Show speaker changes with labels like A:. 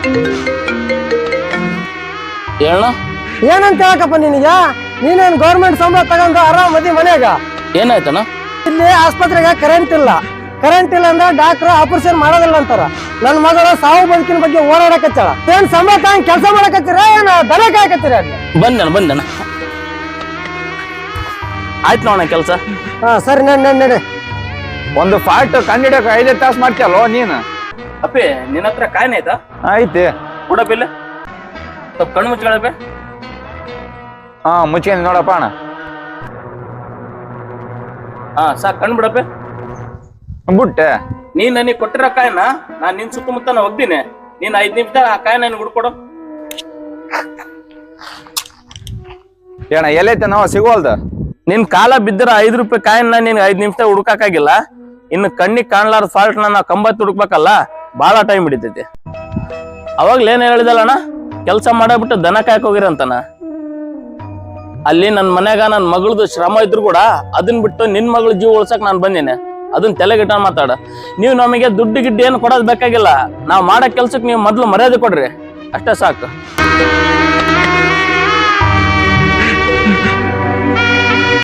A: ಹೇಳ
B: ಏನಂತ ಹೇಳಕಪ್ಪ ನಿನಗೆ? ನೀನೇನ್ ಗೌರ್ಮೆಂಟ್ ಸಂಬಳ ತಗೊಂಡು ಆರಾಮ್ ಮದಿ ಮನ್ಯಾಗ.
A: ಏನಾಯ್ತಣ್ಣ?
B: ಇಲ್ಲಿ ಆಸ್ಪತ್ರೆಗೆ ಕರೆಂಟ್ ಇಲ್ಲ ಅಂದ್ರೆ ಡಾಕ್ಟರ್ ಆಪರೇಷನ್ ಮಾಡೋದಿಲ್ಲ ಅಂತಾರ. ನನ್ ಮಗಳು ಸಾವು ಬದುಕಿನ ಬಗ್ಗೆ ಓಡಾಡಕತ್ತಾಳ. ಏನ್ ಸಂಬಳ ತಗೊಂಡ್ ಕೆಲಸ ಮಾಡಕತ್ತೀರ ಏನ್ ದನ ಕಾಯಕತ್ತೀರ?
A: ಬಂದಣ್ಣ ಆಯ್ತು ನೋಡಣ ಕೆಲಸ.
B: ಸರಿ ನಡಿ.
C: ಒಂದು ಫಾಲ್ಟ್ ಕಂಡಿಡಕ್ 5 ತಾಸು ಮಾಡ್ತೀಯಲ್ಲೋ ನೀನು.
A: ಅಪ್ಪಿ ನಿನ್ನ ಹತ್ರ ಕಾಯಿನ ಆಯ್ತಾ?
C: ಐತಿ
A: ಕೊಡಪ್ಪಿಲ್ಲ, ಸ್ವಲ್ಪ ಕಣ್ಣು ಮುಚ್ಕೊಳಪ್ಪೆ.
C: ಮುಚ್ಕೊಂಡು ನೋಡಪ್ಪ ಅಣ್ಣ.
A: ಸಾಕು, ಕಣ್ಣು ಬಿಡಪ್ಪೆ.
C: ಬಿಟ್ಟೆ
A: ನೀನ್ ನನಗೆ ಕೊಟ್ಟಿರೋ ಕಾಯಿನ ನಾನ್ ನಿನ್ ಸುತ್ತಮುತ್ತ ಹೋಗ್ತೀನಿ. ನೀನ್ 5 ನಿಮಿಷ ಆ ಕಾಯಿನ ನನ್ಗೆ ಹುಡ್ಕೊಡು.
C: ಏನ ಎಲ್ಲೈತೆ ನಾವು ಸಿಗೋಲ್ದ.
A: ನಿನ್ ಕಾಲ ಬಿದ್ದಿರ 5 ರೂಪಾಯಿ ಕಾಯಿನ ನೀನ್ 5 ನಿಮಿಷ ಹುಡುಕಾಗಿಲ್ಲ. ಇನ್ನು ಕಣ್ಣಿಗೆ ಕಾಣ್ಲಾರ ಫಾಲ್ಟ್ ನಾವು 90 ಹುಡುಕ್ಬೇಕಲ್ಲ, ಬಹಳ ಟೈಮ್ ಹಿಡಿತೈತಿ. ಅವಾಗ್ಲೇನ್ ಹೇಳಿದಲ್ಲಣ್ಣ, ಕೆಲಸ ಮಾಡಬಿಟ್ಟು ದನ ಕಾಯಕ್ ಹೋಗಿರಂತಾನ. ಅಲ್ಲಿ ನನ್ ಮನ್ಯಾಗ ನನ್ ಮಗಳದು ಶ್ರಮ ಇದ್ರು ಕೂಡ ಅದನ್ ಬಿಟ್ಟು ನಿನ್ ಮಗಳ ಜೀವ ಉಳ್ಸಕ್ ನಾನ್ ಬಂದೇನೆ. ಅದನ್ನ ತಲೆಗಿಟ್ಟ ಮಾತಾಡ. ನೀವು ನಮಗೆ ದುಡ್ಡು ಗಿಡ್ಡು ಏನು ಕೊಡೋದ್ ಬೇಕಾಗಿಲ್ಲ. ನಾವ್ ಮಾಡೋ ಕೆಲ್ಸಕ್ಕೆ ನೀವು ಮೊದ್ಲು ಮರ್ಯಾದೆ ಕೊಡ್ರಿ, ಅಷ್ಟೇ ಸಾಕು.